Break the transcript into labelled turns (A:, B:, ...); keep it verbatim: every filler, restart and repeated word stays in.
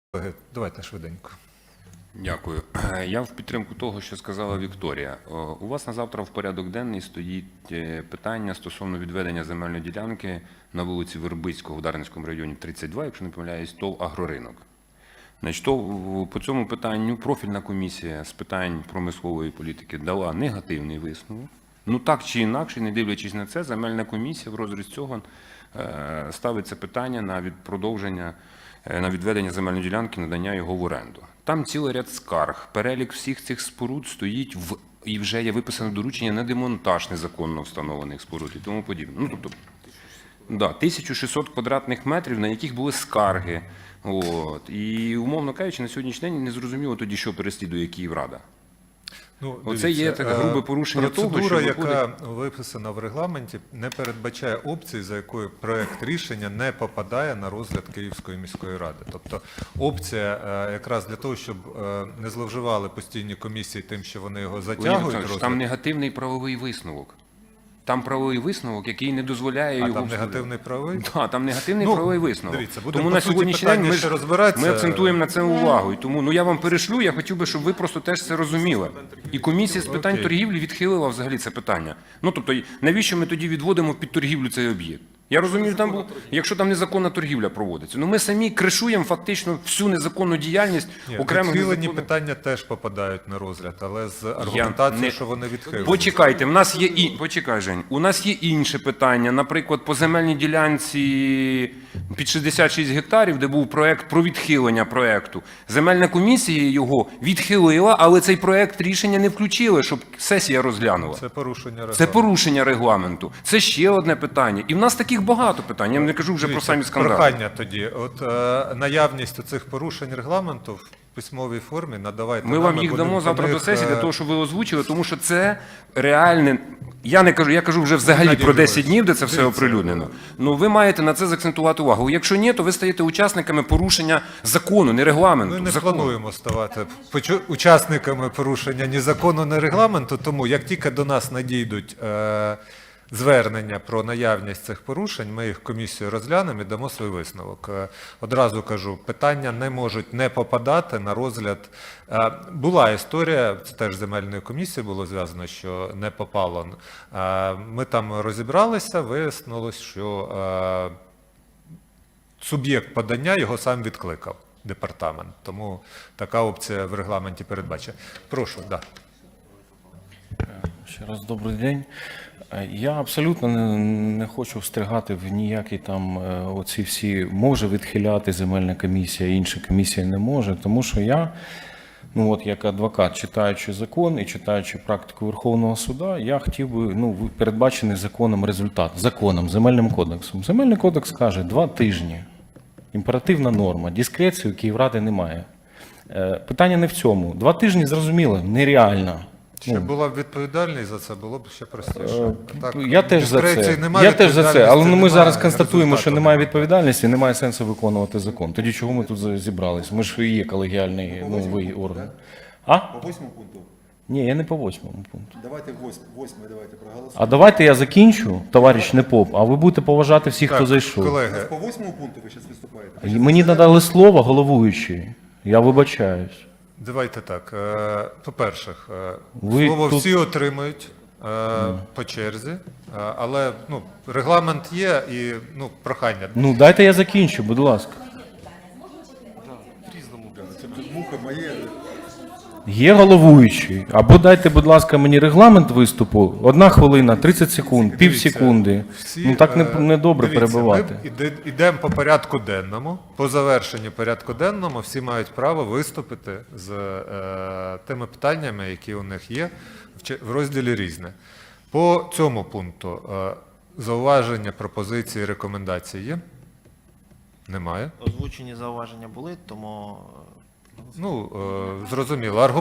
A: Давайте швиденько.
B: Дякую. Я в підтримку того, що сказала Вікторія. У вас на завтра в порядок денний стоїть питання стосовно відведення земельної ділянки на вулиці Вербицького в Дарницькому районі тридцять два, якщо не помиляюсь, ТОВ «Агроринок». Значить, то по цьому питанню профільна комісія з питань промислової політики дала негативний висновок. Ну так чи інакше, не дивлячись на це, земельна комісія в розріз цього ставиться питання на продовження, на відведення земельної ділянки, надання його в оренду. Там цілий ряд скарг, перелік всіх цих споруд стоїть в, і вже є виписане доручення на демонтаж незаконно встановлених споруд і тому подібне. Ну, тобто, да, тисяча шістсот квадратних метрів, на яких були скарги. От. І, умовно кажучи, на сьогоднішній день не зрозуміло тоді, що переслідує Київрада.
A: Ну,
B: Оце є таке грубе порушення
A: процедура,
B: того, що виходить...
A: яка виписана в регламенті, не передбачає опції, за якою проект рішення не попадає на розгляд Київської міської ради. Тобто опція якраз для того, щоб не зловживали постійні комісії тим, що вони його затягують. Розгляд.
B: Там негативний правовий висновок. Там правовий висновок, який не дозволяє
A: а
B: його...
A: А там негативний правовий?
B: Так, да, там негативний
A: ну,
B: правовий висновок.
A: Дивіться,
B: тому на сьогоднішній день ми, ж,
A: розбиратися...
B: ми акцентуємо на це увагу. І тому ну, я вам перешлю, я хотів би, щоб ви просто теж це розуміли. І комісія з питань
A: Окей.
B: торгівлі відхилила взагалі це питання. Ну, тобто, навіщо ми тоді відводимо під торгівлю цей об'єкт? Я розумію, там, якщо там незаконна торгівля проводиться. Ну ми самі кришуємо фактично всю незаконну діяльність
A: Ні,
B: окремих
A: відхилені
B: незаконних...
A: питання теж попадають на розгляд, але з аргументацією,
B: не...
A: що вони відхилені.
B: Почекайте, в нас є і... Почекай, Жень, у нас є інше питання. Наприклад, по земельній ділянці під шістдесят шість гектарів, де був проект про відхилення проекту. Земельна комісія його відхилила, але цей проект рішення не включили, щоб сесія розглянула.
A: Це порушення регламенту.
B: Це порушення регламенту. Це ще одне питання. І в нас таких багато питань. Я не кажу вже
A: Дивіться,
B: про самі скандали.
A: Прохання тоді. От е, наявність цих порушень регламенту в письмовій формі надавайте.
B: Ми
A: нам,
B: вам їх
A: будемо
B: дамо завтра
A: них,
B: до сесії
A: е,
B: для того, щоб ви озвучили, тому що це реальне. Я не кажу, я кажу вже взагалі
A: Геннадій
B: про десять
A: Григорович,
B: днів, де це все
A: дивіться,
B: оприлюднено. Ну ви маєте на це заакцентувати увагу. Якщо ні, то ви стаєте учасниками порушення закону, не регламенту.
A: Ми не
B: закону.
A: плануємо ставати почу- учасниками порушення ні закону, ні регламенту, тому як тільки до нас надійдуть е, звернення про наявність цих порушень, ми їх комісією розглянемо і дамо свій висновок. Е, одразу кажу, питання не можуть не попадати на розгляд. Е, була історія, це теж земельною комісією було зв'язано, що не попало. Е, ми там розібралися, вияснилось, що е, суб'єкт подання його сам відкликав, департамент. Тому така опція в регламенті передбачена. Прошу, да.
C: Ще раз добрий день. Я абсолютно не, не хочу встрягати в ніякі там оці всі може відхиляти земельна комісія, інша комісія не може, тому що я, ну от як адвокат, читаючи закон і читаючи практику Верховного суду, я хотів би, ну, передбачений законом результат, законом, земельним кодексом. Земельний кодекс каже два тижні. Імперативна норма, дискреції у Київради немає. Питання не в цьому. Два тижні, зрозуміло, нереально.
A: Ще була б відповідальність за це, було б ще простіше. Так,
C: Я теж за це.
A: немає,
C: Я теж за це. Але ми
A: немає,
C: зараз констатуємо, що
A: результату
C: немає відповідальності, немає сенсу виконувати закон. Тоді чого ми тут зібрались? Ми ж і є колегіальний новий орган. А?
D: По восьмому пункту?
C: Ні, я не по восьмому пункту.
D: Давайте восьмий, давайте проголосуємо.
C: А давайте я закінчу, товариш Непоп, а ви будете поважати всіх,
A: Так,
C: хто зайшов.
A: колеги,
D: По восьмому пункту ви зараз виступаєте?
C: Мені надали слово головуючий. Я вибачаюсь.
A: давайте так. е, По-перше, е,
C: Ви
A: слово
C: тут-
A: всі отримують е, по черзі, е, але ну, регламент є і ну, прохання.
C: Ну, дайте я закінчу, будь ласка.
D: Різному, бля. Це тут муха моє.
C: Є головуючий. Або дайте, будь ласка, мені регламент виступу. Одна хвилина, тридцять секунд, пів секунди.
A: Всі,
C: Ну так не,
A: е,
C: не добре
A: дивіться,
C: перебивати.
A: Ми іде- йдемо по порядку денному. По завершенню порядку денному всі мають право виступити з е, тими питаннями, які у них є в, чи- в розділі «Різне». По цьому пункту е, зауваження, пропозиції, рекомендації є? Немає.
E: Озвучені зауваження були, тому
A: Ну, е, зрозуміло.